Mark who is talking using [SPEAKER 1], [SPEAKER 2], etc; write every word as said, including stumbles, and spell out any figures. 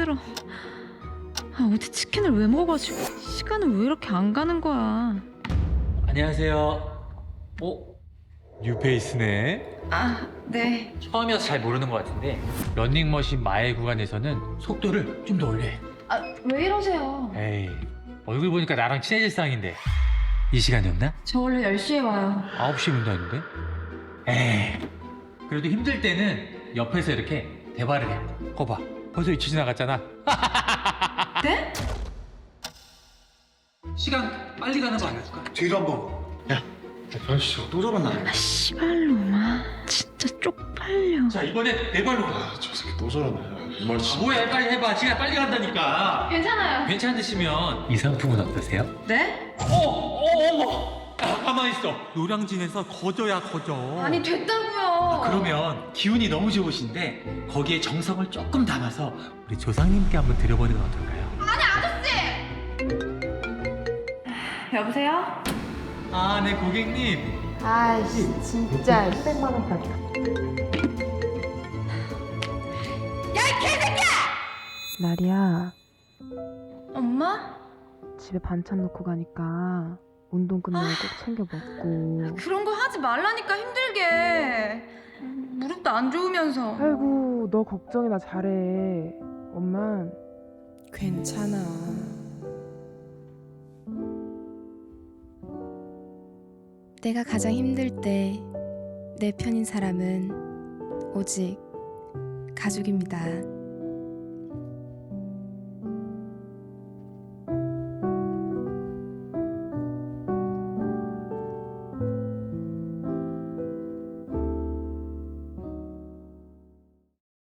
[SPEAKER 1] 힘들어. 아, 어디 치킨을 왜 먹어가지고 시간은 왜 이렇게 안 가는 거야.
[SPEAKER 2] 안녕하세요. 어? 뉴페이스네.
[SPEAKER 1] 아, 네.
[SPEAKER 2] 처음이어서 잘 모르는 것 같은데 런닝머신 마일 구간에서는 속도를 좀 더 올려.
[SPEAKER 1] 아, 왜 이러세요?
[SPEAKER 2] 에이, 얼굴 보니까 나랑 친해질 상인데 이 시간이 없나?
[SPEAKER 1] 저 원래 열 시에 와요.
[SPEAKER 2] 아홉 시에 문다는데? 에이, 그래도 힘들 때는 옆에서 이렇게 대화를 해. 거봐, 벌써 이치 지나갔잖아.
[SPEAKER 1] 네?
[SPEAKER 2] 시간 빨리 가는 거 아닐까?
[SPEAKER 3] 뒤로 한번. 야, 변씨 저거 또 저러나?
[SPEAKER 1] 아, 씨발로마. 진짜 쪽팔려.
[SPEAKER 2] 자, 이번엔 내 발로 가.
[SPEAKER 3] 아, 저 새끼 또 저러네. 이 말
[SPEAKER 2] 아,
[SPEAKER 3] 진짜.
[SPEAKER 2] 뭐야, 빨리 해봐. 시간 빨리 간다니까.
[SPEAKER 1] 괜찮아요.
[SPEAKER 2] 괜찮으시면 이 상품은 어떠세요?
[SPEAKER 1] 네?
[SPEAKER 2] 어, 어, 어머! 아, 가만히 있어. 노량진에서 거저야 거저.
[SPEAKER 1] 아니, 됐다고요.
[SPEAKER 2] 그러면 기운이 너무 좋으신데 거기에 정성을 조금 담아서 우리 조상님께 한번 드려보는 건 어떨까요?
[SPEAKER 1] 여보세요?
[SPEAKER 2] 아, 네 고객님.
[SPEAKER 4] 아이씨 진짜
[SPEAKER 2] 십백만 원까지.
[SPEAKER 4] 나리야
[SPEAKER 1] 엄마?
[SPEAKER 4] 집에 반찬 넣고 가니까 운동 끝나고 꼭 챙겨 먹고.
[SPEAKER 1] 그런 거 하지 말라니까 힘들게. 무릎도 안 좋으면서.
[SPEAKER 4] 아이고 너 걱정이나 잘해. 엄만
[SPEAKER 5] 괜찮아. 내가 가장 힘들 때 내 편인 사람은 오직 가족입니다.